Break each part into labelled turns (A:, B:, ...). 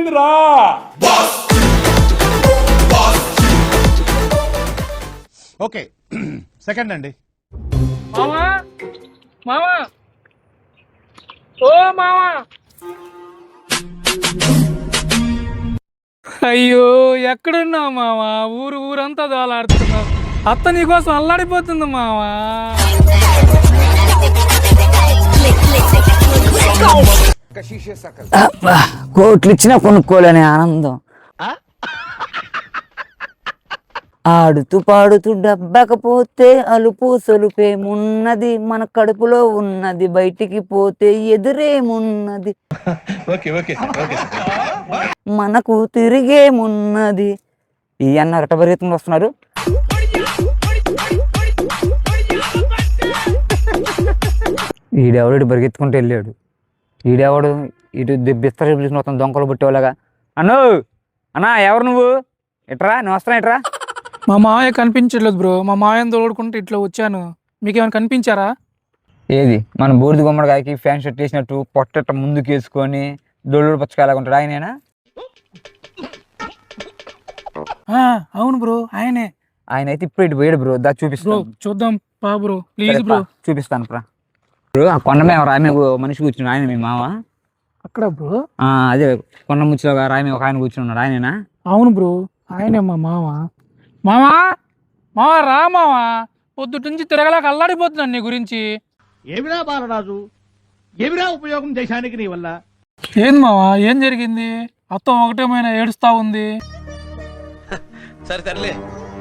A: వచ్చిందిరా.
B: Okay second అండి.
C: మామా మామా ఓ మామా, అయ్యో ఎక్కడున్నావు మావా? ఊరంతా దోలాడుతున్నావు. అత్త నీకోసం అల్లాడిపోతుంది మావా.
D: కోట్లు ఇచ్చినా కొనుక్కోలేని ఆనందం. ఆడుతూ పాడుతూ డబ్బకపోతే అలుపు సొలుపేమున్నది, మన కడుపులో ఉన్నది బయటికి పోతే ఎదురేమున్నది, మనకు తిరిగేమున్నది. ఈ అన్న రటభరితంగా వస్తున్నారు. ఈడెవడు బరిగెత్తుకుంటూ వెళ్ళాడు. ఈడెవడు ఇటు బిస్తర మొత్తం దొంగలు పుట్టేవాళ్ళగా. అన్నా ఎవరు నువ్వు? ఎట్రా నువ్వు వస్తున్నా ఎట్రా?
C: మా మావయ్య కనిపించట్లేదు బ్రో. మా మావయ్యని తోడుకుంటూ ఇట్లా వచ్చాను. మీకేమైనా కనిపించారా?
D: ఏది మన బూడిద గుమ్మడికాయకి ఫ్యాన్ షర్ట్ వేసినట్టు పొట్ట ముందుకు వేసుకొని దొడ్డు పచ్చకాయలాగుంటాడు ఆయనేనా?
C: అవును బ్రో, ఆయనే.
D: ఆయన అయితే ఇప్పుడు ఇటు పోయాడు బ్రో. దా చూపిస్తాను.
C: చూద్దాం పా బ్రో, ప్లీజ్ బ్రో.
D: చూపిస్తాను బ్రో. కొండ మీద రాయి మనిషి కూర్చున్నాడు. ఆయన మీ మావ
C: అక్కడ బ్రో?
D: అదే కొండ ముచ్చిలో రాయి మీద ఒక ఆయన కూర్చున్నాడు. ఆయనేనా?
C: అవును బ్రో, ఆయనే మా మామ. మామా మావా రా మావా, పొద్దుటి నుంచి తిరగలేక అల్లాడిపోతున్నాను నీ గురించి.
B: ఏమిరా బాలరాజు, ఏమిరా ఉపయోగం దేశానికి నీ వల్ల?
C: ఏంది మావా, ఏం జరిగింది? అత్తం ఒకటేమైనా ఏడుస్తా ఉంది.
E: సరే సర్లే.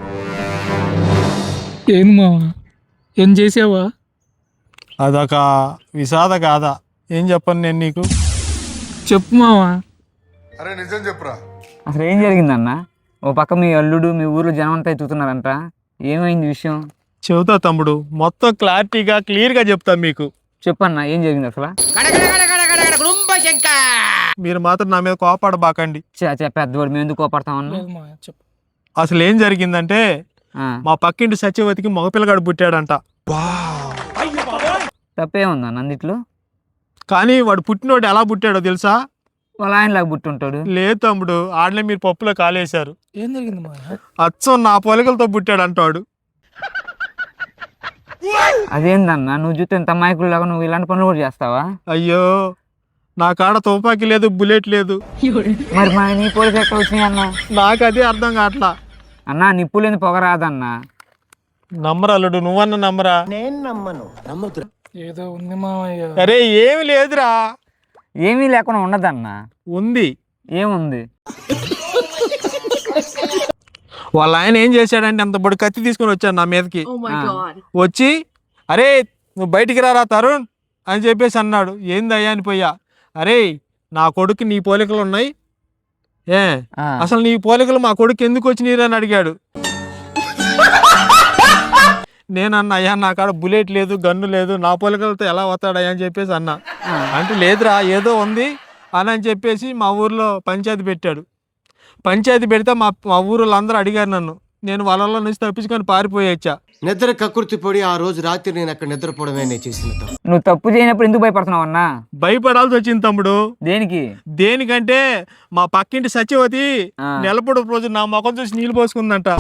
C: ఏంది మావా, ఏం చేసావా?
F: అదొక విషాద గాథ. ఏం చెప్పను నేను నీకు?
C: చెప్పు మావా.
G: అరే నిజం చెప్పురా.
D: అసలు ఏం జరిగిందన్న? ఓ పక్క మీ అల్లుడు మీ ఊర్లో జనం అంతా ఎత్తుతున్నారంట. ఏమైంది విషయం?
F: చెబుతా తమ్ముడు, మొత్తం క్లారిటీగా క్లియర్గా చెప్తా మీకు.
D: చెప్పన్నా ఏం జరిగింది అసలు?
F: మీరు మాత్రం నా మీద కోపాడబాకండి.
D: పెద్దవాడు మేము ఎందుకు కోపడతామన్నా?
C: లేదు మావయ్య, చెప్పు.
F: అసలు ఏం జరిగిందంటే మా పక్కింటి సత్యవతికి మగపిల్లగాడు పుట్టాడంట.
D: తప్పే ఉందా నందిట్లో?
F: కానీ వాడు పుట్టినోడు ఎలా పుట్టాడో తెలుసా?
D: వాళ్ళ ఆయనలాగా పుట్టుంటాడు.
F: లేదు తమ్ముడు, ఆడలే మీరు పప్పులో కాలేశారు.
C: ఏం జరిగింది మావయ్య?
F: అచ్చం నా పొలకలతో పుట్టాడంటాడు.
D: అదేందన్నా, నువ్వు చూస్తే ఎంత అమాయకుల్లాగా నువ్వు ఇలాంటి పనులు కూడా చేస్తావా?
F: అయ్యో, నా కాడ తుపాకీ లేదు, బుల్లెట్ లేదు.
D: మరి మా నీ పోలీసు ఎక్కడ వచ్చినాయి అన్న?
F: నాకు అదే అర్థం కావట్లా.
D: అన్నా నిప్పు లేని పొగ రాదన్నా.
F: నమ్మరాలుడు, నువ్వన్న నమ్మరా?
C: ఏదో ఉంది మావయ్య.
F: అరే ఏమి లేదురా.
D: ఏమీ లేకుండా ఉండదన్నా.
F: ఉంది.
D: ఏముంది?
F: వాళ్ళ ఆయన ఏం చేశాడంటే అంత బడి కత్తి తీసుకొని వచ్చాడు నా మీదకి. వచ్చి అరే నువ్వు బయటికి రారా తరుణ్ అని చెప్పేసి అన్నాడు. ఏందయ్యా అని పోయా. అరే నా కొడుకు నీ పోలికలు ఉన్నాయి, అసలు నీ పోలికలు మా కొడుకు ఎందుకు వచ్చినాయి అని అడిగాడు. నేనన్నా, అయ్యా నా కాడ బుల్లెట్ లేదు, గన్ను లేదు, నా పోలికలతో ఎలా వస్తాడయ్యా అని చెప్పేసి అన్నా. అంటే లేదురా ఏదో ఉంది అని చెప్పేసి మా ఊర్లో పంచాయతీ పెట్టాడు. పంచాయతీ పెడితే మా ఊరు అందరూ అడిగారు నన్ను. నేను వాళ్ళలో నుంచి తప్పించుకొని పారిపోయొచ్చా.
E: నిద్ర కకృతి పడి ఆ రోజు రాత్రి నేను అక్కడ నిద్రపోవడమే నేను చేసిన.
D: నువ్వు తప్పు చేయనప్పుడు ఎందుకు భయపడుతున్నావు అన్నా?
F: భయపడాల్సి వచ్చింది తమ్ముడు.
D: దేనికి?
F: దేనికంటే మా పక్కింటి సత్యవతి నెలపొడు రోజు నా ముఖం చూసి నీళ్ళు పోసుకుందంట.